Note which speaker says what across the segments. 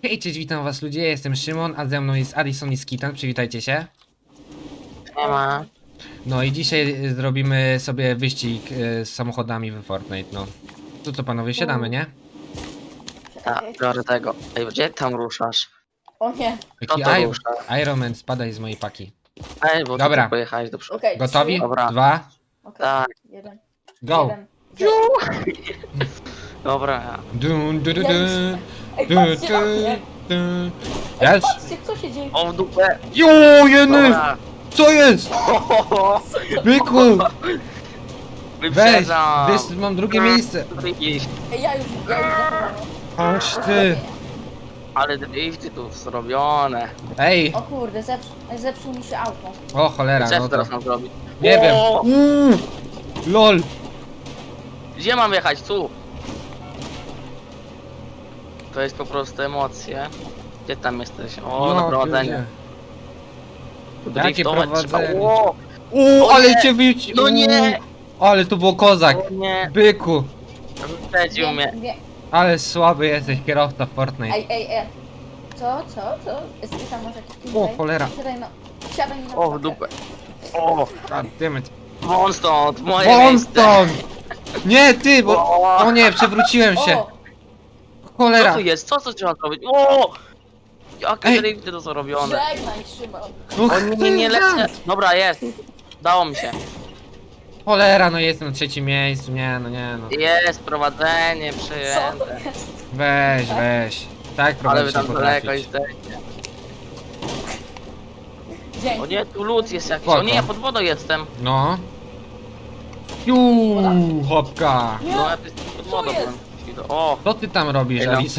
Speaker 1: Hej, cześć, witam was ludzie, ja jestem Szymon, a ze mną jest Addison i Skitan, przywitajcie się.
Speaker 2: Nie ma.
Speaker 1: No i dzisiaj zrobimy sobie wyścig z samochodami w Fortnite, no. To co panowie, siadamy, nie?
Speaker 2: Tak, biorę tego. Ej, gdzie tam ruszasz?
Speaker 3: O nie.
Speaker 1: Jaki
Speaker 2: to rusza?
Speaker 1: Iron Man, spadaj z mojej paki.
Speaker 2: Ej, bo
Speaker 1: Dobra.
Speaker 2: ty pojechałeś do przodu.
Speaker 3: Okej.
Speaker 1: Gotowi?
Speaker 3: 3,
Speaker 2: Dobra.
Speaker 1: 2,
Speaker 2: Tak.
Speaker 3: 1,
Speaker 1: go!
Speaker 3: 1.
Speaker 2: Dobra.
Speaker 1: Dun, du, du,
Speaker 3: Ja
Speaker 1: du,
Speaker 3: już- Ej,
Speaker 1: du,
Speaker 3: patrzcie na
Speaker 1: du,
Speaker 3: mnie.
Speaker 1: du.
Speaker 3: Ej,
Speaker 1: Jest?
Speaker 3: patrzcie, co się dzieje.
Speaker 2: O, w dupę.
Speaker 1: Jo, jeny!
Speaker 2: Dobra.
Speaker 1: Co jest? Byku! Weź,
Speaker 2: Wyprzedzam.
Speaker 1: mam drugie miejsce.
Speaker 2: Drift.
Speaker 3: Ej, ja już zapomniałem.
Speaker 1: Aż ty.
Speaker 2: Ale drifty tu zrobione.
Speaker 1: Ej,
Speaker 3: O kurde, zepsuł mi się auto.
Speaker 1: o cholera,
Speaker 2: Co
Speaker 1: no to...
Speaker 2: teraz mam zrobić?
Speaker 1: Nie wiem.
Speaker 2: O!
Speaker 1: LOL.
Speaker 2: Gdzie mam jechać? Tu. To jest po prostu emocje. Gdzie tam jesteś? O, na prowadzenie.
Speaker 1: No, Jakie
Speaker 2: Driftować trzeba.
Speaker 1: prowadzenie?
Speaker 2: O,
Speaker 1: O,
Speaker 2: O
Speaker 1: ale
Speaker 2: nie!
Speaker 1: cię wyci...
Speaker 2: No nie!
Speaker 1: Ale to było kozak.
Speaker 2: o nie.
Speaker 1: Byku.
Speaker 2: Wyprzedził mnie.
Speaker 1: Ale słaby jesteś kierowca w Fortnite.
Speaker 3: Ej. Co? Jest tam może jakiś
Speaker 1: O, cholera.
Speaker 3: Siadaj mi na
Speaker 2: O, w
Speaker 3: pakę.
Speaker 2: dupę. O,
Speaker 1: Goddammit.
Speaker 2: won stąd, moje
Speaker 1: Won
Speaker 2: miejsce.
Speaker 1: stąd! Nie, ty, bo... O nie, przewróciłem się.
Speaker 3: O,
Speaker 2: Co
Speaker 1: Cholera.
Speaker 2: tu jest? Co trzeba zrobić? O! Jakie
Speaker 1: Ej.
Speaker 2: drifty to zrobione.
Speaker 3: żegnaj, Szymon.
Speaker 2: O nie lecę. Dobra, jest. Dało mi się.
Speaker 1: Cholera, no jestem na trzecim miejscu. Nie, no nie, no.
Speaker 2: Jest prowadzenie
Speaker 3: Co to
Speaker 2: przyjęte.
Speaker 3: jest?
Speaker 1: Weź. Tak
Speaker 2: Ale
Speaker 1: prowadzić
Speaker 2: wy
Speaker 1: nie
Speaker 2: tam daleko
Speaker 1: potrafić.
Speaker 2: jesteście.
Speaker 3: Dzięki.
Speaker 2: O nie, tu lód jest jakiś.
Speaker 1: Spoko.
Speaker 2: O nie, ja pod wodą jestem.
Speaker 1: No. Hopka.
Speaker 3: Nie.
Speaker 2: No, ja tu jestem pod wodą.
Speaker 3: jest?
Speaker 2: byłem. O,
Speaker 1: Co ty tam robisz,
Speaker 2: Ej, no.
Speaker 1: Alisa?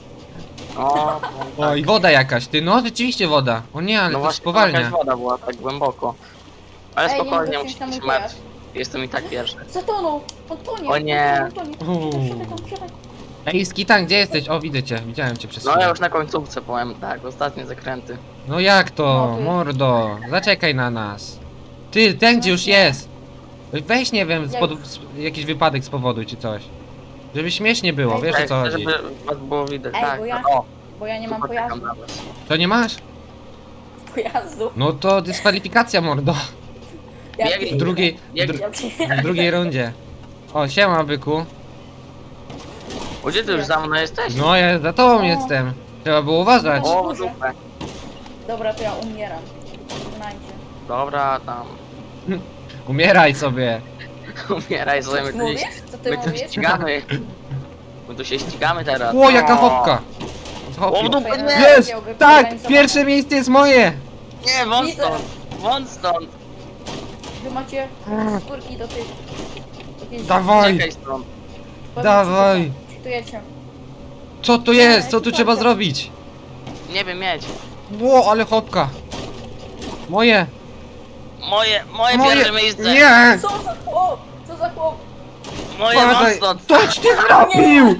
Speaker 2: o,
Speaker 1: O, i woda jakaś, ty, no rzeczywiście woda. O nie, ale
Speaker 2: no
Speaker 1: to
Speaker 2: właśnie,
Speaker 1: spowalnia.
Speaker 2: jakaś woda była tak głęboko. Ale
Speaker 3: Ej, nie
Speaker 2: spokojnie,
Speaker 3: mogę
Speaker 2: musicie
Speaker 3: wsiąść
Speaker 2: się
Speaker 3: na mój
Speaker 2: martwić. Jestem i tak pierwszy.
Speaker 3: Zatonął. On tonie.
Speaker 2: O nie.
Speaker 3: On tonie. Wsiadaj.
Speaker 1: Ej, Skitan, gdzie jesteś? O, widzę cię, widziałem cię przez
Speaker 2: No
Speaker 1: chwilę.
Speaker 2: ja już na końcówce powiem, tak, ostatnie zakręty.
Speaker 1: No jak to,
Speaker 3: No, ty-
Speaker 1: mordo? Zaczekaj na nas. Ty, ten gdzie już jest. Weź, nie wiem, jakiś wypadek spowoduj czy coś. Żeby śmiesznie było,
Speaker 3: Ej,
Speaker 1: wiesz o
Speaker 2: Tak,
Speaker 1: co chodzi.
Speaker 2: żeby was było widać,
Speaker 3: Ej,
Speaker 2: tak.
Speaker 3: bo ja-
Speaker 2: O,
Speaker 3: Bo ja nie mam
Speaker 2: poczekam
Speaker 3: pojazdu.
Speaker 2: na was.
Speaker 1: To nie masz?
Speaker 3: Pojazdu.
Speaker 1: No to dyskwalifikacja, mordo.
Speaker 3: Ja
Speaker 2: Biegnij.
Speaker 1: W drugiej, w drugiej rundzie. O, siema, byku.
Speaker 2: O, gdzie ty już za mną jesteś?
Speaker 1: No, ja za tobą
Speaker 3: O.
Speaker 1: jestem. Trzeba było uważać.
Speaker 2: O, w dupę.
Speaker 3: Dobra, to ja umieram. Znajdzie.
Speaker 2: Dobra, tam.
Speaker 1: Umieraj sobie.
Speaker 2: Umieraj sobie, my tu
Speaker 3: Mówisz?
Speaker 2: się,
Speaker 3: Co ty
Speaker 2: my tu
Speaker 3: mówisz?
Speaker 2: ścigamy. My tu się ścigamy teraz.
Speaker 1: O, jaka hopka.
Speaker 2: O, w dupę, nie!
Speaker 1: Jest! Tak! Pierwsze miejsce jest moje!
Speaker 2: Nie, won
Speaker 3: Widzę.
Speaker 2: stąd! Won stąd!
Speaker 3: Wy macie skórki do tych... jakieś-
Speaker 1: Dawaj!
Speaker 2: Czekaj stąd.
Speaker 3: Powiem
Speaker 1: Dawaj.
Speaker 3: ci, co Czytujecie.
Speaker 1: Co to jest? Co tu trzeba zrobić?
Speaker 2: Nie wiem, mieć.
Speaker 1: Ło, ale hopka. Moje.
Speaker 2: Moje pierwsze miejsce!
Speaker 1: Nie!
Speaker 3: Co za chłop? Co za chłop?
Speaker 2: Moje won
Speaker 1: Padaj.
Speaker 2: stąd!
Speaker 1: Coś ty zrobił!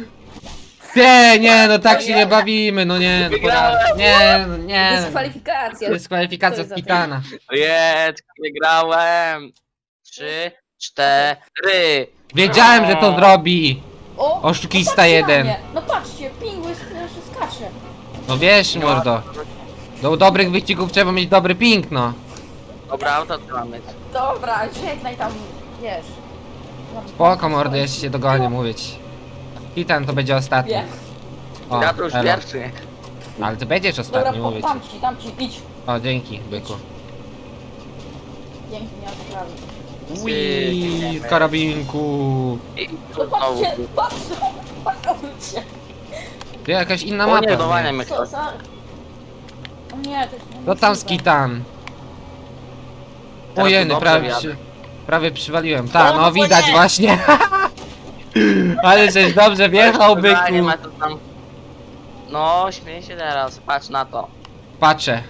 Speaker 1: Nie, no tak się nie bawimy, no nie, no porażka. Nie, no nie.
Speaker 3: Dyskwalifikacja.
Speaker 1: Dyskwalifikacja
Speaker 3: Co
Speaker 1: z
Speaker 3: za
Speaker 1: Kitana.
Speaker 2: Jest, wygrałem! 3, 4.
Speaker 1: Wiedziałem, że to zrobi.
Speaker 3: O!
Speaker 1: Oszukista
Speaker 3: no patrzcie na
Speaker 1: jeden.
Speaker 3: mnie. No patrzcie, pingły skacze.
Speaker 1: No wiesz, mordo. Do dobrych wyścigów trzeba mieć dobry ping, no.
Speaker 2: Dobra, auto co mam mieć.
Speaker 3: Dobra, żegnaj tam, wiesz.
Speaker 1: Spoko, mordo, jeszcze się dogonię, mówić. Kitan to będzie ostatni.
Speaker 3: Wiem.
Speaker 1: O,
Speaker 2: Ja to już
Speaker 1: elo.
Speaker 2: pierwszy.
Speaker 1: Ale ty będziesz
Speaker 3: Dobra,
Speaker 1: ostatni, mówię ci.
Speaker 3: dam ci, idź.
Speaker 1: O, dzięki, byku.
Speaker 3: Dzięki, nie ma sprawy.
Speaker 1: Ui, z karabinku.
Speaker 2: I
Speaker 3: No
Speaker 2: tu znowu.
Speaker 3: patrzcie, patrzcie.
Speaker 1: To jakaś inna
Speaker 2: O nie,
Speaker 1: mapa.
Speaker 2: dowania
Speaker 1: Nie?
Speaker 2: mnie
Speaker 3: Co
Speaker 2: ktoś.
Speaker 3: za... O nie, to jest
Speaker 1: To tam Skitan.
Speaker 2: Teraz
Speaker 1: Ojeny,
Speaker 2: tu dobrze
Speaker 1: prawie,
Speaker 2: wjadę.
Speaker 1: prawie przywaliłem. Tak,
Speaker 2: O,
Speaker 1: no
Speaker 2: no
Speaker 1: widać
Speaker 2: nie.
Speaker 1: właśnie. Ale żeś dobrze wjechał, byku.
Speaker 2: Nie ma to tam. No, śmiej się teraz, patrz na to.
Speaker 1: Patrzę.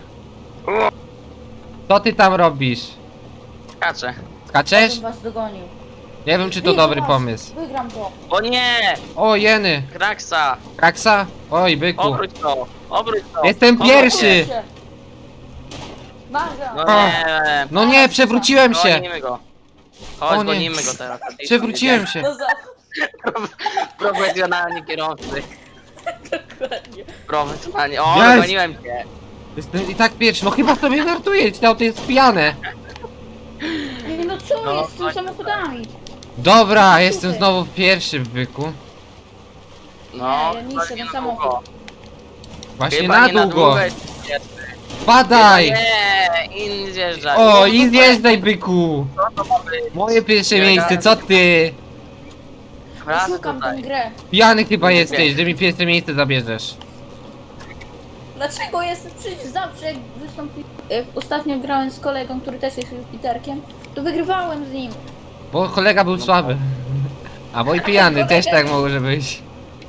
Speaker 1: Co ty tam robisz?
Speaker 2: Skaczę.
Speaker 1: Skaczesz?
Speaker 3: bym was dogonił.
Speaker 1: Nie wiem, czy to
Speaker 3: Widzę
Speaker 1: dobry
Speaker 3: was.
Speaker 1: pomysł.
Speaker 3: Wygram to.
Speaker 2: O nie!
Speaker 1: O, jeny.
Speaker 2: Kraksa!
Speaker 1: Kraksa? Oj, byku.
Speaker 2: Obróć to! Obróć to!
Speaker 1: Jestem
Speaker 2: Obróć
Speaker 1: pierwszy.
Speaker 2: się.
Speaker 3: Nagra.
Speaker 2: No nie!
Speaker 1: No nie, przewróciłem się.
Speaker 2: Gonimy go. Chodź,
Speaker 1: O nie.
Speaker 2: gonimy go teraz.
Speaker 1: Przewróciłem się.
Speaker 3: No za...
Speaker 2: Profesjonalni kierowcy.
Speaker 3: Dokładnie.
Speaker 2: Profesjonalnie. O,
Speaker 1: Jest!
Speaker 2: dogoniłem cię.
Speaker 1: Jestem i tak pierwszy, no chyba sobie żartuję, to auto jest pijane.
Speaker 3: Ej, no co
Speaker 2: No,
Speaker 3: jest z tymi samochodami?
Speaker 1: Dobra, jestem znowu pierwszy w byku.
Speaker 2: No,
Speaker 3: Nie, ja niszczę
Speaker 2: nie
Speaker 3: ten
Speaker 2: na
Speaker 3: samochód.
Speaker 2: długo.
Speaker 1: Właśnie
Speaker 2: Chyba
Speaker 1: na
Speaker 2: nie
Speaker 1: długo.
Speaker 2: jest pierwszy.
Speaker 1: Padaj!
Speaker 2: Nie, in zjeżdża.
Speaker 1: O,
Speaker 2: Nie,
Speaker 1: i
Speaker 2: to
Speaker 1: zjeżdżaj byku!
Speaker 2: Co to ma być?
Speaker 1: Moje pierwsze
Speaker 2: Nie,
Speaker 1: miejsce, co ty?
Speaker 2: Raz
Speaker 3: Szukam tę
Speaker 2: tutaj.
Speaker 3: grę.
Speaker 1: Pijany chyba
Speaker 2: Nie
Speaker 1: jesteś,
Speaker 2: wiem.
Speaker 1: że mi pierwsze miejsce zabierzesz.
Speaker 3: Dlaczego jestem przecież zawsze jak wystąpi... Jak ostatnio grałem z kolegą, który też jest Jupiterkiem, to wygrywałem z nim.
Speaker 1: Bo kolega był słaby. A bo i pijany też tak może być.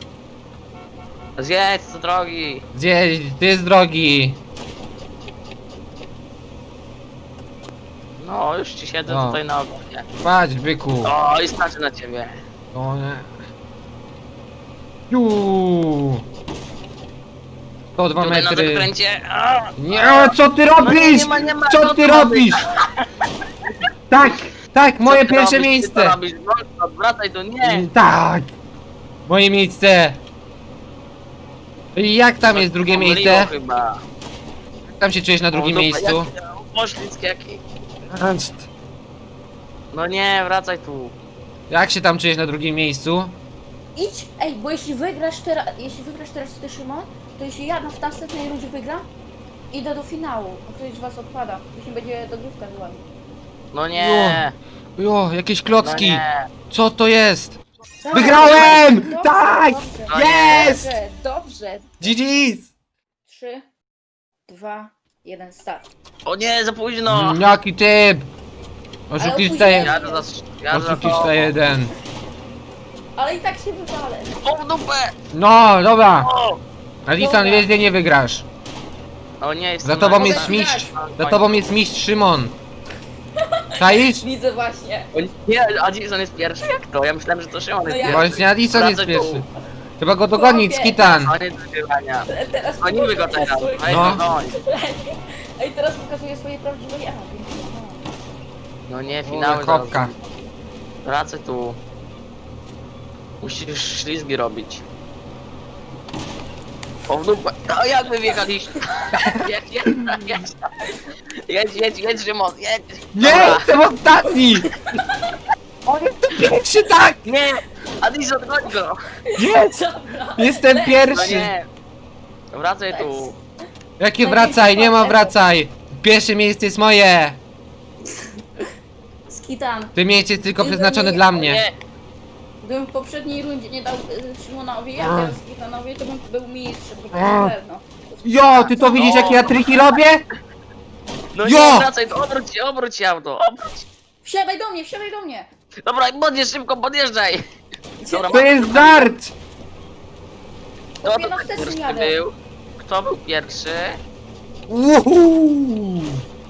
Speaker 2: Zjedź z drogi.
Speaker 1: Gdzie ty jest drogi?
Speaker 2: No, już ci siedzę
Speaker 1: No.
Speaker 2: tutaj na ogonie.
Speaker 1: Patrz byku.
Speaker 2: O, i starczy na ciebie.
Speaker 1: O nie. Juuu. 102
Speaker 2: Tutaj na
Speaker 1: metry.
Speaker 2: zakręcie. A!
Speaker 1: Nie, co ty robisz?
Speaker 2: nie ma,
Speaker 1: Co
Speaker 2: no
Speaker 1: ty
Speaker 2: to ma
Speaker 1: robisz? Tak, tak,
Speaker 2: Co
Speaker 1: moje
Speaker 2: ty
Speaker 1: pierwsze
Speaker 2: robisz? Ty
Speaker 1: miejsce.
Speaker 2: co robisz? No, wracaj tu, nie.
Speaker 1: Tak. Moje miejsce. I jak tam jest drugie
Speaker 2: Pomyliło
Speaker 1: miejsce?
Speaker 2: chyba.
Speaker 1: Jak tam się czujesz na drugim
Speaker 2: O, dupa,
Speaker 1: miejscu?
Speaker 2: Poślizg jaki. No nie, wracaj tu.
Speaker 1: Jak się tam czujesz na drugim miejscu?
Speaker 3: Idź, ej, bo jeśli wygrasz teraz ty, Szymon, to jeśli ja w następnej rundzie wygram, idę do finału, a ktoś z was odpada. Jeśli będzie dogrywka z wami.
Speaker 2: No nie.
Speaker 1: Jo, jakieś
Speaker 2: No
Speaker 1: klocki.
Speaker 2: nie.
Speaker 1: Co to jest?
Speaker 3: Tak,
Speaker 1: Wygrałem!
Speaker 3: dobrze,
Speaker 1: Tak!
Speaker 3: Dobrze,
Speaker 2: No
Speaker 1: Jest!
Speaker 3: dobrze.
Speaker 1: GG's!
Speaker 3: 3, 2, 1, start.
Speaker 2: O nie, za późno.
Speaker 1: Jaki typ! Oszukista
Speaker 3: opóźnienie.
Speaker 1: jeden.
Speaker 2: Jadę za
Speaker 1: Oszukista jeden.
Speaker 3: Ale i tak się wywalę.
Speaker 2: O, w dupę.
Speaker 1: No, dobra.
Speaker 2: O.
Speaker 1: Alison,
Speaker 3: Dobra.
Speaker 1: wiesz, gdzie nie wygrasz.
Speaker 2: O nie, jestem
Speaker 1: Za tobą
Speaker 2: na-
Speaker 1: jest
Speaker 3: Mogę
Speaker 1: mistrz.
Speaker 3: wygrać.
Speaker 1: Za tobą jest mistrz Szymon. Czaisz?
Speaker 3: Widzę właśnie.
Speaker 2: O nie, a Jason jest pierwszy? Jak to? Ja myślałem, że to Szymon jest
Speaker 3: No ja-
Speaker 2: pierwszy.
Speaker 1: Właśnie Alison jest
Speaker 2: Wracaj tu.
Speaker 1: pierwszy. Trzeba go dogonić,
Speaker 3: Chłopie.
Speaker 1: Skitan.
Speaker 2: Koniec wygrywania.
Speaker 3: Teraz
Speaker 2: Gonimy go teraz. Weź
Speaker 1: No.
Speaker 2: go goń.
Speaker 3: Ej, teraz pokazuję swoje prawdziwe ja.
Speaker 2: No nie,
Speaker 1: O,
Speaker 2: finały
Speaker 1: kopka.
Speaker 2: zaraz. Wracaj tu. Musisz ślizgi robić. O w dupę. O jak wy wjechaliście? Jedź, Szymon, jedź.
Speaker 1: Nie,
Speaker 2: Dobra.
Speaker 1: jestem ostatni! On jest pierwszy, tak!
Speaker 2: Nie! Adison, goń go!
Speaker 1: Jest!
Speaker 3: Dobra.
Speaker 1: Jestem
Speaker 2: No
Speaker 1: pierwszy!
Speaker 2: nie! Wracaj tu!
Speaker 1: Jakie wracaj, nie ma wracaj! Pierwsze miejsce jest moje!
Speaker 3: Skitan.
Speaker 1: To miejsce jest tylko przeznaczone dla mnie.
Speaker 2: Nie!
Speaker 3: Gdybym w poprzedniej rundzie nie dał Szymonowi, a teraz Skitanowi, to bym był mistrzem, to
Speaker 1: A.
Speaker 3: na pewno.
Speaker 1: Jo, ty to widzisz jakie ja triki robię?
Speaker 2: No
Speaker 1: Jo!
Speaker 2: nie, wracaj tu, obróć się auto, obróć!
Speaker 3: Wsiadaj do mnie, wsiadaj do mnie!
Speaker 2: Dobra, podjedź szybko, podjeżdżaj! Dobra,
Speaker 1: To jest żart!
Speaker 2: kto
Speaker 3: Chłopie,
Speaker 2: to
Speaker 3: no
Speaker 2: tak
Speaker 3: wstecz
Speaker 2: pierwszy
Speaker 3: jadę.
Speaker 2: był? Kto był pierwszy?
Speaker 1: Uhu.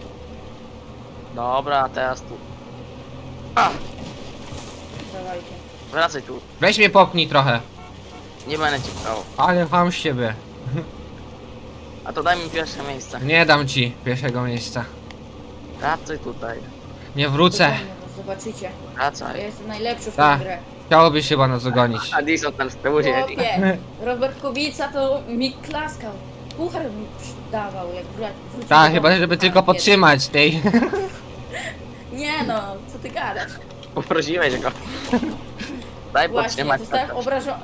Speaker 2: Dobra, teraz tu. A,
Speaker 3: Dawajcie.
Speaker 2: wracaj tu.
Speaker 1: Weź mnie popchnij trochę.
Speaker 2: Nie będę cię pchał.
Speaker 1: Ale wam z siebie.
Speaker 2: A to daj mi pierwsze miejsce.
Speaker 1: Nie dam ci pierwszego miejsca.
Speaker 2: Wracaj tutaj.
Speaker 1: Nie wrócę.
Speaker 3: Dogonię was, zobaczycie. Ja
Speaker 2: Wracaj.
Speaker 3: jestem najlepszy w
Speaker 1: Tak.
Speaker 3: tę grę.
Speaker 1: Chciałoby się chyba nas dogonić.
Speaker 2: Addison tam z tyłu siedzi.
Speaker 3: Chłopie, Robert Kubica to mi klaskał. Puchar mi dawał, jak wrócił.
Speaker 1: Tak,
Speaker 3: do
Speaker 1: chyba
Speaker 3: domu.
Speaker 1: żeby
Speaker 3: Tak,
Speaker 1: tylko
Speaker 3: jest.
Speaker 1: podtrzymać tej.
Speaker 3: Nie no, co ty gadasz?
Speaker 2: Poprosiłeś go. Daj
Speaker 3: Właśnie,
Speaker 2: podtrzymać.
Speaker 3: zostałem obrażony.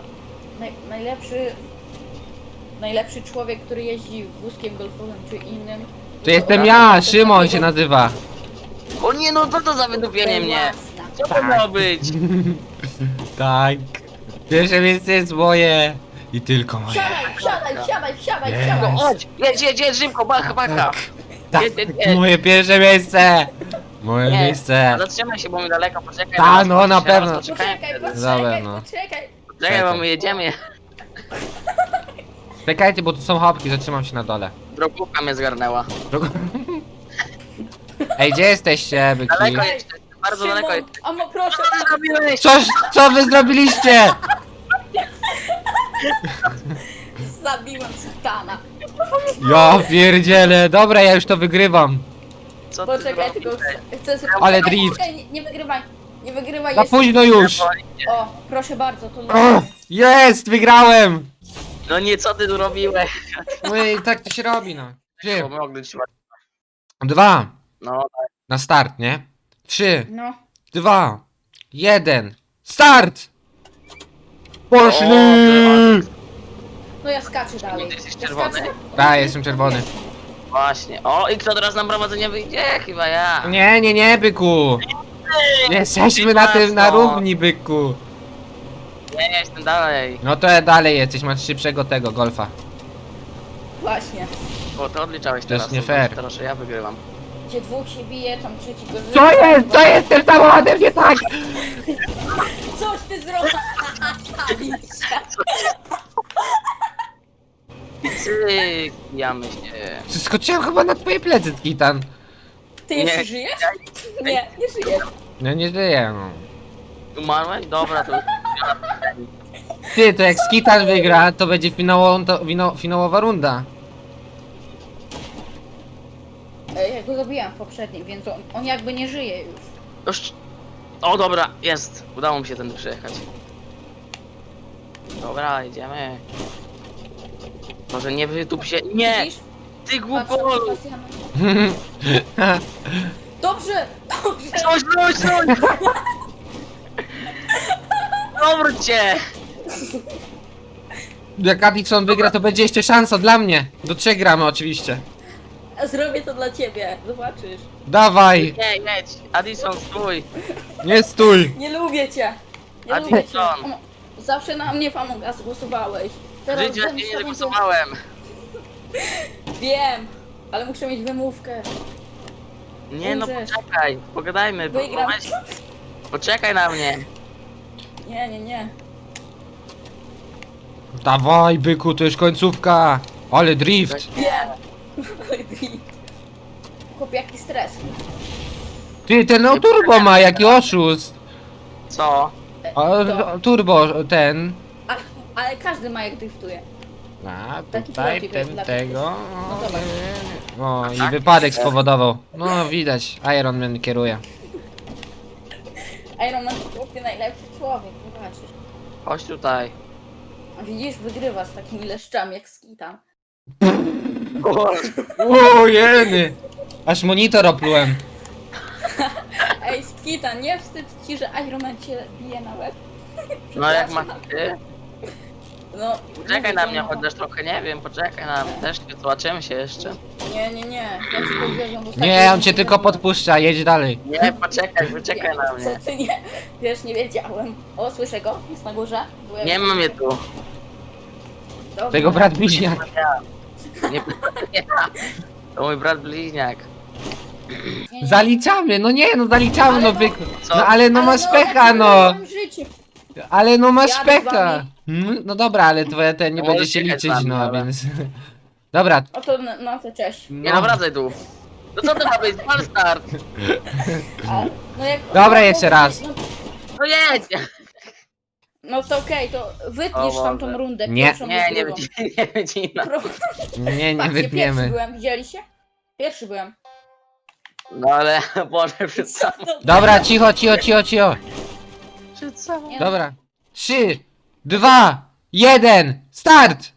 Speaker 3: Najlepszy człowiek, który jeździ wózkiem golfowym czy innym.
Speaker 1: To jestem ja, Szymon się nazywa.
Speaker 2: O nie, no co to za wydupienie mnie? Co to miało być?
Speaker 1: Tak. Pierwsze miejsce jest moje. I tylko moje.
Speaker 3: Wsiadaj,
Speaker 1: Jest.
Speaker 3: wsiadaj.
Speaker 2: Chodź, jedź, szybko, bacha.
Speaker 1: Tak,
Speaker 2: Jedź.
Speaker 1: moje pierwsze miejsce. Moje
Speaker 2: Nie.
Speaker 1: miejsce.
Speaker 2: Zatrzymaj się, bo mi daleko, poczekaj.
Speaker 1: Ta,
Speaker 2: zaraz
Speaker 1: no, na
Speaker 2: poczekaj,
Speaker 1: pewno.
Speaker 2: zaraz poczekaj.
Speaker 1: Dobra, no.
Speaker 3: Poczekaj.
Speaker 2: Czekaj, bo my jedziemy.
Speaker 1: Czekajcie, bo tu są chopki, zatrzymam się na dole.
Speaker 2: Drogówka mnie zgarnęła.
Speaker 1: Ej, gdzie jesteście, byki?
Speaker 2: Daleko jeszcze, bardzo daleko jest.
Speaker 3: Amo, proszę.
Speaker 2: Co ty zrobiłeś?
Speaker 1: Co wy zrobiliście?
Speaker 3: Zabiłem Skitana.
Speaker 1: Ja pierdzielę. Dobra, ja już to wygrywam.
Speaker 2: Co ty
Speaker 3: Poczekaj, tylko
Speaker 2: zrobiłeś?
Speaker 3: chcę sobie...
Speaker 1: Ale
Speaker 3: Poczekaj,
Speaker 1: drift.
Speaker 3: poczekaj, nie wygrywaj. Nie wygrywaj,
Speaker 1: Za
Speaker 3: jest...
Speaker 1: późno już.
Speaker 3: O, proszę bardzo, to
Speaker 1: O, jest, wygrałem.
Speaker 2: No nie, co ty tu robiłeś?
Speaker 1: No i tak to się robi, no. 3,
Speaker 2: Bo mogli trzymać.
Speaker 1: 2,
Speaker 2: No,
Speaker 1: na start, nie? 3,
Speaker 3: No.
Speaker 1: 2, 1, start! Poszli!
Speaker 3: No ja skaczę dalej.
Speaker 2: Ty jesteś
Speaker 3: Ja
Speaker 2: czerwony?
Speaker 3: skaczę.
Speaker 1: Tak, jestem czerwony.
Speaker 2: właśnie. O, i kto teraz na prowadzenie wyjdzie? Chyba ja.
Speaker 1: Nie, byku! Jesteśmy na tym, na równi, byku.
Speaker 2: Nie, ja jestem dalej.
Speaker 1: No to dalej jesteś, masz szybszego tego, golfa.
Speaker 3: Właśnie.
Speaker 2: Bo to odliczałeś
Speaker 1: To
Speaker 2: teraz.
Speaker 1: jest nie fair.
Speaker 2: Teraz że ja wygrywam.
Speaker 3: Gdzie dwóch się bije, tam trzeci go żyje.
Speaker 1: Co jest? Co jest z tym samochodem nie tak?
Speaker 3: Coś ty zrobił!
Speaker 2: Cyk, jamy się.
Speaker 1: Skoczyłem chyba na twoje plecy, Kitan.
Speaker 3: Ty jeszcze
Speaker 2: Nie.
Speaker 3: żyjesz? Nie, nie żyjesz.
Speaker 1: No nie żyję, no.
Speaker 2: Umarłeś? Dobra, to...
Speaker 1: Ty, to jak Skitan wygra, to będzie finałowa runda.
Speaker 3: Ja go zabiłam w poprzednim, więc on jakby nie żyje już.
Speaker 2: Już... O, dobra, jest. Udało mi się tędy przejechać. Dobra, idziemy. Może nie wytup się... Nie!
Speaker 3: Widzisz?
Speaker 2: Ty
Speaker 3: Patrz,
Speaker 2: głupolu!
Speaker 3: Sebastian. Dobrze! Dobrze!
Speaker 2: Coś! Dobry cię!
Speaker 1: Jak Addison wygra, to będzie jeszcze szansa dla mnie. Do 3 gramy oczywiście.
Speaker 3: Zrobię to dla ciebie, zobaczysz.
Speaker 1: Dawaj,
Speaker 2: Nie, jedź! Addison, stój!
Speaker 1: nie stój.
Speaker 3: Nie lubię cię! Nie
Speaker 2: A
Speaker 3: lubię
Speaker 2: ty
Speaker 3: cię.
Speaker 2: co?
Speaker 3: Zawsze na mnie Among Us głosowałeś.
Speaker 2: W życiu ja
Speaker 3: ze
Speaker 2: cię
Speaker 3: mną
Speaker 2: nie zagłosowałem!
Speaker 3: Wiem, ale muszę mieć wymówkę.
Speaker 2: Nie no,
Speaker 3: Umrzesz.
Speaker 2: poczekaj, pogadajmy.
Speaker 3: Wygram.
Speaker 2: Poczekaj na mnie.
Speaker 3: Nie.
Speaker 1: Dawaj, byku, to już końcówka. Ale drift.
Speaker 3: Wiem. Chłop, jaki stres.
Speaker 1: Ty, ten no turbo ma, jaki oszust.
Speaker 2: Co?
Speaker 3: To.
Speaker 1: Turbo, ten.
Speaker 3: Ale każdy ma jak driftuje.
Speaker 1: A,
Speaker 3: Taki
Speaker 1: tutaj,
Speaker 3: protip
Speaker 1: ten,
Speaker 3: jest dla
Speaker 1: tego.
Speaker 3: No dobra.
Speaker 1: O, i
Speaker 2: Tak?
Speaker 1: wypadek spowodował. No, widać, Iron Man kieruje.
Speaker 3: Iron Man to chłopie najlepszy człowiek, zobaczysz.
Speaker 2: Chodź tutaj.
Speaker 3: A widzisz, wygrywa z takimi leszczami jak Skitan.
Speaker 1: O, jeny. Aż monitor oplułem.
Speaker 3: Ej, Skitan, nie wstyd ci, że Iron Man cię bije na łeb?
Speaker 2: No jak masz ty?
Speaker 3: No,
Speaker 2: Poczekaj
Speaker 3: mówię
Speaker 2: na
Speaker 3: to,
Speaker 2: mnie,
Speaker 3: no.
Speaker 2: chociaż trochę nie wiem, poczekaj na mnie też, zobaczymy się jeszcze.
Speaker 3: Nie. Ja ci powiedziałem, bo ostatnio
Speaker 1: Nie, on cię
Speaker 3: nie
Speaker 1: tylko
Speaker 3: wiedziałem.
Speaker 1: podpuszcza, jedź dalej.
Speaker 2: Nie, poczekaj na mnie.
Speaker 3: Co ty nie? Wiesz, nie wiedziałem. O, słyszę go? Jest na górze? Byłem-
Speaker 2: Nie ma mnie tu.
Speaker 3: Dobra.
Speaker 1: Tego brat bliźniak.
Speaker 2: Nie, nie. To mój brat bliźniak.
Speaker 3: Nie.
Speaker 1: Zaliczamy, no nie, no zaliczamy,
Speaker 3: Ale
Speaker 1: no
Speaker 3: no-
Speaker 1: byku.
Speaker 2: Co?
Speaker 1: No ale no masz pecha, no.
Speaker 3: Ja mam życie.
Speaker 1: Ale no masz
Speaker 3: Jadę z
Speaker 1: pecha.
Speaker 3: wami.
Speaker 1: No dobra, ale twoje ten nie
Speaker 2: No
Speaker 1: będzie
Speaker 2: możesz
Speaker 1: się
Speaker 2: jechać z
Speaker 1: liczyć,
Speaker 2: nami,
Speaker 1: no
Speaker 2: ale-
Speaker 1: więc... Dobra.
Speaker 3: O to, no to cześć.
Speaker 2: Nie no, wracaj tu. No co to ma być? Fal start.
Speaker 3: A, no jak...
Speaker 1: Dobra, jeszcze raz.
Speaker 3: No,
Speaker 2: No jedź!
Speaker 3: no to okej, to wytniesz
Speaker 2: O
Speaker 3: tamtą
Speaker 2: Boże.
Speaker 3: rundę.
Speaker 1: Nie.
Speaker 3: pierwszą
Speaker 2: Nie,
Speaker 3: i
Speaker 2: nie
Speaker 3: drugą.
Speaker 2: wycina.
Speaker 1: Nie
Speaker 3: Patrzcie, pierwszy
Speaker 1: wytniemy.
Speaker 3: byłem, widzieliście? Pierwszy byłem.
Speaker 2: No ale, Boże, przed samą.
Speaker 1: Dobra, cicho.
Speaker 2: Przed samą.
Speaker 3: Nie,
Speaker 1: Dobra. 3, 2, 1, start!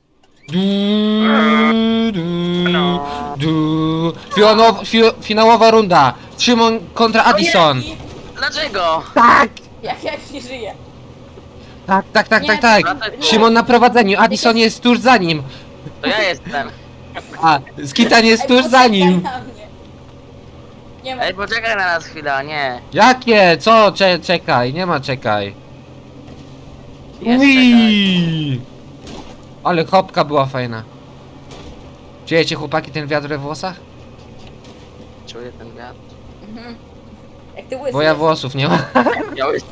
Speaker 1: Finałowa runda. Szymon kontra Addison.
Speaker 3: Ojej,
Speaker 2: Dlaczego?
Speaker 1: Tak!
Speaker 3: jak ja nie żyję.
Speaker 1: Tak.
Speaker 3: Nie,
Speaker 2: Wracaj tu.
Speaker 1: Szymon na prowadzeniu, Addison jest tuż za nim.
Speaker 2: To ja jestem.
Speaker 1: A, Skitan jest
Speaker 3: Ej,
Speaker 1: tuż za
Speaker 3: poczekaj
Speaker 1: nim.
Speaker 3: na mnie. Nie ma.
Speaker 2: Ej, poczekaj na nas chwilę, nie.
Speaker 1: Jakie? Co? Czekaj, nie ma czekaj.
Speaker 2: Jest, czekaj.
Speaker 1: Ui! Ale hopka była fajna. Czujecie chłopaki ten wiatr we włosach?
Speaker 2: Czuję ten wiatr.
Speaker 3: Mhm. Jak ty łysy
Speaker 1: Bo ja
Speaker 3: jesteś.
Speaker 1: włosów nie mam.
Speaker 2: Miałeś...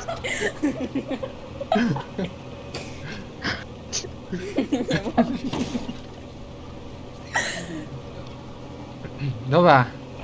Speaker 1: Dobra.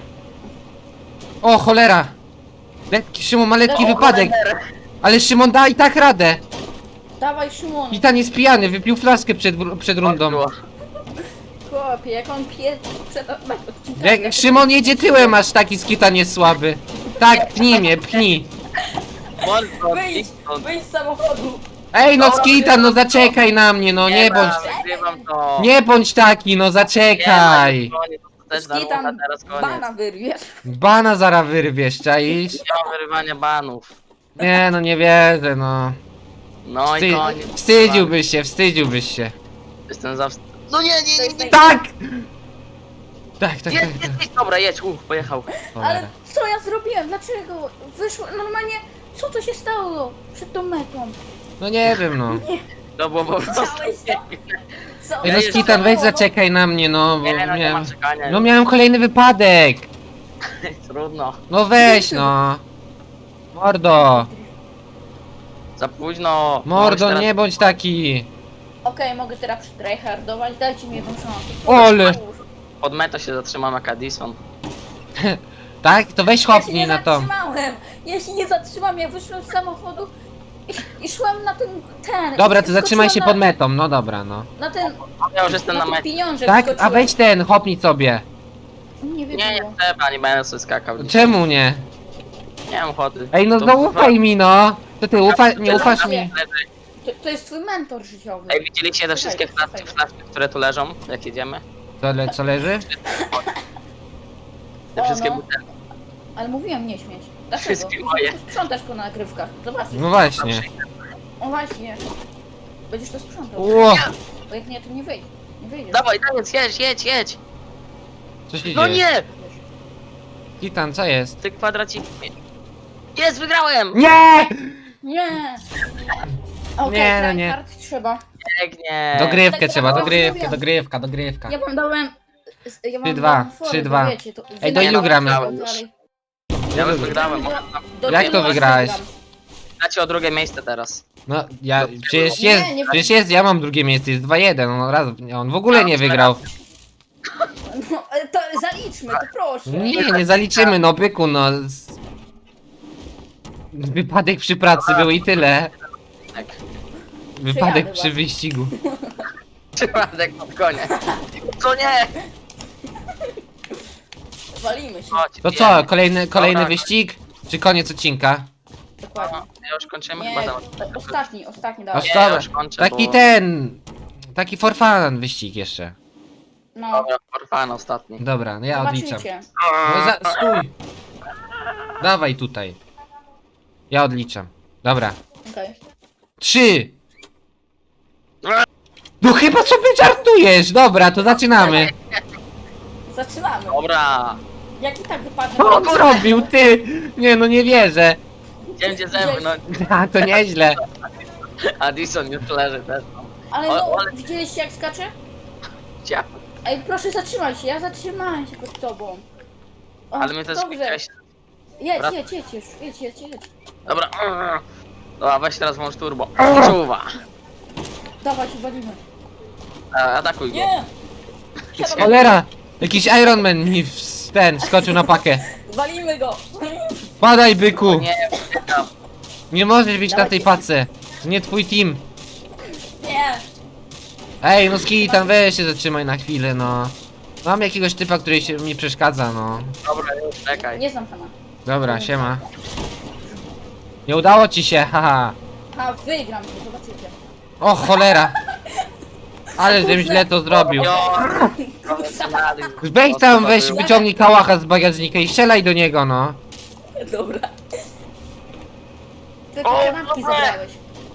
Speaker 1: O cholera! Szymon ma lekki wypadek, ale Szymon da i tak radę.
Speaker 3: Dawaj, Szymon.
Speaker 1: Kitan jest pijany, wypił flaskę przed rundą.
Speaker 3: Chłopie, jak on pije przed odcinkiem.
Speaker 1: Jak Szymon jedzie tyłem, aż taki Skitan jest słaby. Tak, pchnij mnie, pchnij.
Speaker 3: Wyjdź z samochodu.
Speaker 1: Ej, no Skitan, no zaczekaj na mnie, no nie bądź...
Speaker 2: Wygrywam to.
Speaker 1: Nie bądź taki, no zaczekaj!
Speaker 2: To też na
Speaker 3: Skitan,
Speaker 2: runda, teraz koniec.
Speaker 3: bana wyrwiesz.
Speaker 1: Bana zara wyrwiesz, czaisz?
Speaker 2: Nie ma wyrywania banów.
Speaker 1: Nie, no nie wierzę, no.
Speaker 2: No i koniec.
Speaker 1: Wstydziłbyś się.
Speaker 2: Jestem za... No nie.
Speaker 1: Tak! Tak, tak,
Speaker 2: Jedź,
Speaker 1: tak, tak.
Speaker 2: jedź. Dobra, jedź, pojechał.
Speaker 1: Cholera.
Speaker 3: Ale co ja zrobiłem? Dlaczego? Wyszło normalnie. Co to się stało przed tą metą?
Speaker 1: No nie wiem, no.
Speaker 2: To było po prostu...
Speaker 3: Chciałeś to? Co?
Speaker 1: Ej, no Skitan, weź zaczekaj na mnie, no, bo
Speaker 2: Nie, no nie ma
Speaker 1: miałem...
Speaker 2: czekania.
Speaker 1: No miałem kolejny wypadek!
Speaker 2: Trudno.
Speaker 1: No weź, no. Mordo!
Speaker 2: Za późno.
Speaker 1: Mordo,
Speaker 2: Możesz
Speaker 1: nie bądź taki!
Speaker 3: Okej, mogę teraz tryhardować, dajcie mi jedną szansę.
Speaker 1: Ole!
Speaker 2: Pod metą się zatrzymam jak Addison.
Speaker 1: Tak? To weź
Speaker 3: Ja się
Speaker 1: hopnij
Speaker 3: nie
Speaker 1: na to.
Speaker 3: zatrzymałem! Ja się nie zatrzymam, ja wyszłem z samochodu i szłem na ten...
Speaker 1: Dobra, to zatrzymaj się
Speaker 3: skoczyłem
Speaker 1: pod metą, no dobra, no.
Speaker 3: Na ten...
Speaker 2: Ja już jestem
Speaker 3: Na
Speaker 2: na
Speaker 3: ten
Speaker 2: mecie.
Speaker 3: pieniążek
Speaker 1: Tak? A
Speaker 3: skoczyłem.
Speaker 1: weź ten, hopnij sobie.
Speaker 3: Nie wiem,
Speaker 2: Nie trzeba, nie będę sobie skakał.
Speaker 1: Czemu nie?
Speaker 2: Nie mam ochoty.
Speaker 1: Ej, no
Speaker 2: To-
Speaker 1: zaufaj mi, no. To ty nie ufasz mi.
Speaker 3: to jest twój mentor życiowy.
Speaker 2: Ej, widzieliście te wszystkie flaszki, które tu leżą, jak jedziemy?
Speaker 1: Co leży?
Speaker 2: Te
Speaker 3: O,
Speaker 2: wszystkie
Speaker 3: no.
Speaker 2: butelki.
Speaker 3: Ale mówiłem nie śmieć. Dlaczego?
Speaker 2: Wszystkie moje.
Speaker 3: To sprzątasz po nagrywkach. Zobaczysz.
Speaker 1: No właśnie.
Speaker 3: O właśnie. Będziesz to sprzątał.
Speaker 1: Ło!
Speaker 3: Bo jak nie, to nie wyjdzie. Nie wyjdziesz.
Speaker 2: Dawaj, jedź!
Speaker 1: Co się
Speaker 2: No
Speaker 1: dzieje?
Speaker 2: nie!
Speaker 1: Kitan, co jest?
Speaker 2: Ty kwadracik. Jest, wygrałem!
Speaker 1: Nie!
Speaker 3: Nie! Okej,
Speaker 1: Nie, no nie.
Speaker 3: tryhard trzeba.
Speaker 2: Pięknie!
Speaker 1: Dogrywkę trzeba,
Speaker 3: Ja
Speaker 1: dogrywka.
Speaker 3: Ja wam dałem... Ja wam
Speaker 1: 3-2,
Speaker 3: dałem fory,
Speaker 1: 3-2.
Speaker 3: bo wiecie, to
Speaker 1: Ej, do ilu gramy?
Speaker 2: Ja już wygrałem.
Speaker 1: Jak to wygrałeś?
Speaker 2: Dacie o drugie miejsce teraz.
Speaker 1: No, ja, przecież
Speaker 3: Nie,
Speaker 1: jest,
Speaker 3: nie-
Speaker 1: przecież jest, ja mam drugie miejsce, jest 2-1, on w ogóle nie wygrał.
Speaker 3: No, ale to zaliczmy, to proszę.
Speaker 1: Nie zaliczymy, no byku, no. Wypadek przy pracy był i tyle.
Speaker 2: Tak.
Speaker 1: Wypadek przy
Speaker 3: właśnie.
Speaker 1: wyścigu.
Speaker 2: Przypadek pod koniec. Co nie?
Speaker 3: Walimy się.
Speaker 2: Chodź,
Speaker 1: To
Speaker 2: wiem.
Speaker 1: co, kolejny
Speaker 2: Dobra.
Speaker 1: wyścig? Czy koniec odcinka?
Speaker 3: Dokładnie.
Speaker 2: Ja już kończymy
Speaker 3: Nie,
Speaker 2: chyba
Speaker 3: ostatni dawaj.
Speaker 1: Osta-
Speaker 2: Ja już kończę,
Speaker 1: Taki
Speaker 2: bo-
Speaker 1: taki for fun wyścig jeszcze.
Speaker 3: No,
Speaker 2: Dobra, orfan ostatni.
Speaker 1: Dobra, no ja odliczam.
Speaker 3: zobaczycie.
Speaker 1: No stój! Dawaj tutaj. Ja odliczam. Dobra.
Speaker 3: Okej.
Speaker 1: 3! No chyba sobie żartujesz! Dobra, to zaczynamy.
Speaker 3: Zaczynamy.
Speaker 2: Dobra.
Speaker 3: Jak i tak wypadnie.
Speaker 1: Co on zrobił, ty? Nie, no nie wierzę.
Speaker 2: Gdzie zęby, no.
Speaker 1: A, to nieźle.
Speaker 2: Addison już leży też.
Speaker 3: Ale
Speaker 2: O,
Speaker 3: no,
Speaker 2: ale-
Speaker 3: widzieliście jak skacze?
Speaker 2: Cia.
Speaker 3: Ej, proszę zatrzymaj się, ja zatrzymałem się pod tobą. O,
Speaker 2: Ale my też
Speaker 3: dobrze.
Speaker 2: chciałeś...
Speaker 3: Jedź,
Speaker 2: Wrac-
Speaker 3: jedź, jedź już, jedź.
Speaker 2: Dobra. Dobra, weź teraz włącz turbo. Czuwa.
Speaker 3: Dawać, walimy.
Speaker 2: Atakuj go.
Speaker 3: Nie! Siadam.
Speaker 1: Cholera! Jakiś Iron Man mi skoczył na pakę.
Speaker 3: Walimy go!
Speaker 1: Padaj, byku!
Speaker 2: Nie, czekam.
Speaker 1: Nie możesz być na tej pace. To nie twój team.
Speaker 3: Nie!
Speaker 1: Ej, no Skitan, weź się zatrzymaj na chwilę, no. Mam jakiegoś typa, który mi przeszkadza, no.
Speaker 2: Dobra, już czekaj.
Speaker 3: Nie znam pana.
Speaker 1: Dobra, siema. Nie udało ci się, haha.
Speaker 3: A, wygram to, zobaczycie.
Speaker 1: O, cholera. Ale żebym źle to zrobił.
Speaker 2: Jo,
Speaker 1: Weź tam, weź, wyciągnij kałacha z bagażnika i strzelaj do niego, no.
Speaker 3: Dobra. Tylko
Speaker 2: O,
Speaker 3: kanapki
Speaker 2: dobra.
Speaker 3: zabrałeś.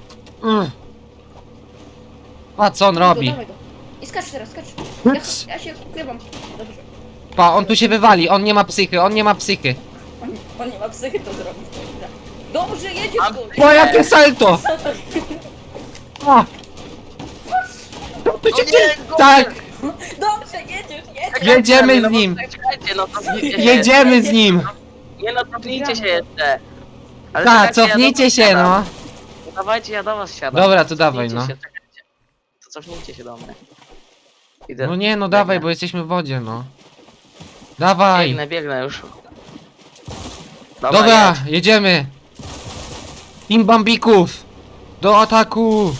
Speaker 1: A co on robi?
Speaker 3: Dawaj go. I skacz teraz, skacz. Ja się ukrywam. Dobrze.
Speaker 1: Pa, on tu się wywali, on nie ma psychy, on nie ma psychy.
Speaker 3: On nie ma psychy to zrobić. Dobrze, jedziesz
Speaker 2: Mam-
Speaker 3: go.
Speaker 1: O, jakie salto! O! Co tu się
Speaker 2: O nie,
Speaker 1: dzieje?
Speaker 2: go-
Speaker 1: Tak,
Speaker 3: Dobrze, jedziesz.
Speaker 1: jedziemy z nim.
Speaker 2: Czekajcie, no cofnijcie się.
Speaker 1: Jedziemy z nim.
Speaker 2: Nie no, cofnijcie się jeszcze. Ale
Speaker 1: Tak,
Speaker 2: czekajcie, ja do
Speaker 1: cofnijcie
Speaker 2: was
Speaker 1: się,
Speaker 2: siadam.
Speaker 1: no.
Speaker 2: No dawajcie, ja do was siadam.
Speaker 1: Dobra, to dawaj,
Speaker 2: Cofnijcie
Speaker 1: no.
Speaker 2: się, czekajcie. To cofnijcie się do mnie. Idę.
Speaker 1: No nie, no dawaj, bo jesteśmy w wodzie, no. Dawaj.
Speaker 2: Biegnę już.
Speaker 1: Dobra,
Speaker 2: jedź.
Speaker 1: jedziemy. Team Bambików. Do ataku.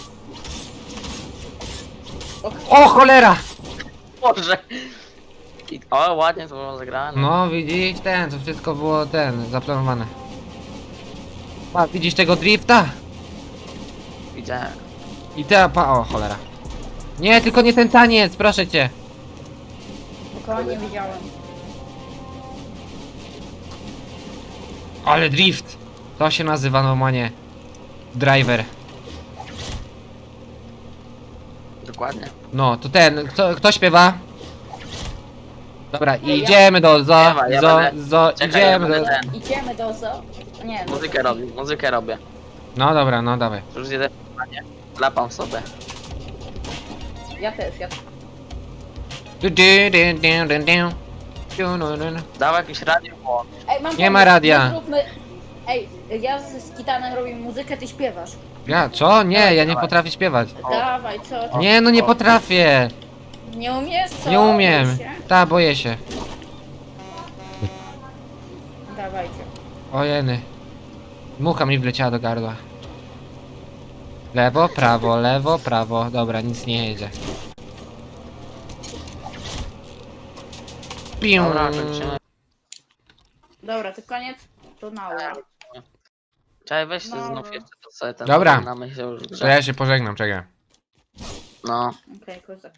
Speaker 1: O, cholera.
Speaker 2: Boże. O, ładnie to było zagrane.
Speaker 1: No, widzisz, to wszystko było zaplanowane. A, widzisz tego drifta?
Speaker 2: Gdzie?
Speaker 1: I te o cholera. Nie, tylko nie ten taniec, proszę cię.
Speaker 3: Spokojnie widziałem.
Speaker 1: Ale drift. To się nazywa normalnie driver.
Speaker 2: Dokładnie.
Speaker 1: No, to ten, kto śpiewa? Dobra,
Speaker 3: Ja.
Speaker 1: idziemy do zo,
Speaker 2: Śpiewaj, ja
Speaker 1: zo,
Speaker 2: będę-
Speaker 1: zo,
Speaker 2: Czekaj, ja
Speaker 1: idziemy do...
Speaker 2: będę ten.
Speaker 3: Idziemy do zoo. Nie, no.
Speaker 2: Muzykę robię.
Speaker 1: No dobra, no dawaj.
Speaker 2: Już nie panie. Klapam sobie.
Speaker 3: Ja też, ja
Speaker 2: Dał jakieś radio, bo...
Speaker 3: Ej, mam
Speaker 1: Nie ma
Speaker 3: pomysł,
Speaker 1: radia.
Speaker 3: my zróbmy... Ej, ja z Kitanem robimy muzykę, ty śpiewasz.
Speaker 1: Ja, co? Nie, ja nie
Speaker 2: Dawaj.
Speaker 1: potrafię śpiewać.
Speaker 3: Dawaj, co?
Speaker 1: Nie, no nie potrafię.
Speaker 3: Nie umiesz, co?
Speaker 1: Nie umiem.
Speaker 3: Boisz się?
Speaker 1: Ta, boję się.
Speaker 3: Dawajcie.
Speaker 1: Ojeny. Mucha mi wleciała do gardła. Lewo, prawo, lewo, prawo. Dobra, nic nie jedzie. Pium.
Speaker 2: Dobra, kończymy.
Speaker 3: Dobra, to koniec. To naura.
Speaker 2: Czekaj, weź
Speaker 3: No,
Speaker 2: znów
Speaker 3: no.
Speaker 2: jeszcze to sobie ten...
Speaker 1: Dobra.
Speaker 2: pożegnamy się już w
Speaker 1: To
Speaker 2: grze.
Speaker 1: ja się pożegnam, czekaj.
Speaker 2: No.
Speaker 3: Okej, kozak.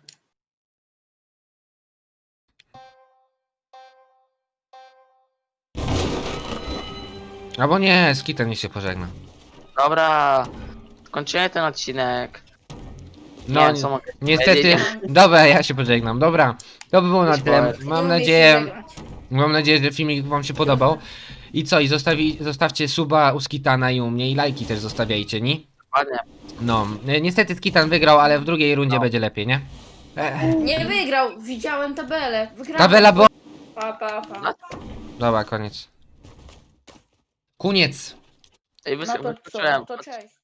Speaker 1: Albo nie, Skitan niech się pożegna.
Speaker 2: Dobra. Kończymy ten odcinek.
Speaker 1: No,
Speaker 2: Nie wiem, co mogę
Speaker 1: niestety.
Speaker 2: powiedzieć.
Speaker 1: Dobra, ja się pożegnam. Dobra, to by było na
Speaker 2: Już
Speaker 1: tyle.
Speaker 2: powiedz.
Speaker 3: Nie
Speaker 1: Mam
Speaker 3: umiesz
Speaker 1: nadzieję,
Speaker 3: się zagrać.
Speaker 1: że filmik wam się podobał. I co, i zostawcie suba u Skitana i u mnie i lajki też zostawiajcie, nie?
Speaker 2: Dokładnie.
Speaker 1: No, niestety Skitan wygrał, ale w drugiej rundzie
Speaker 2: No.
Speaker 1: będzie lepiej, nie?
Speaker 3: Nie wygrał, widziałem tabelę. Wygrałem.
Speaker 1: Tabela była...
Speaker 3: Pa, pa, pa.
Speaker 2: No.
Speaker 1: Dobra, koniec. Koniec.
Speaker 2: Ej,
Speaker 3: No to co?
Speaker 2: wysłuchałem.
Speaker 3: To cześć.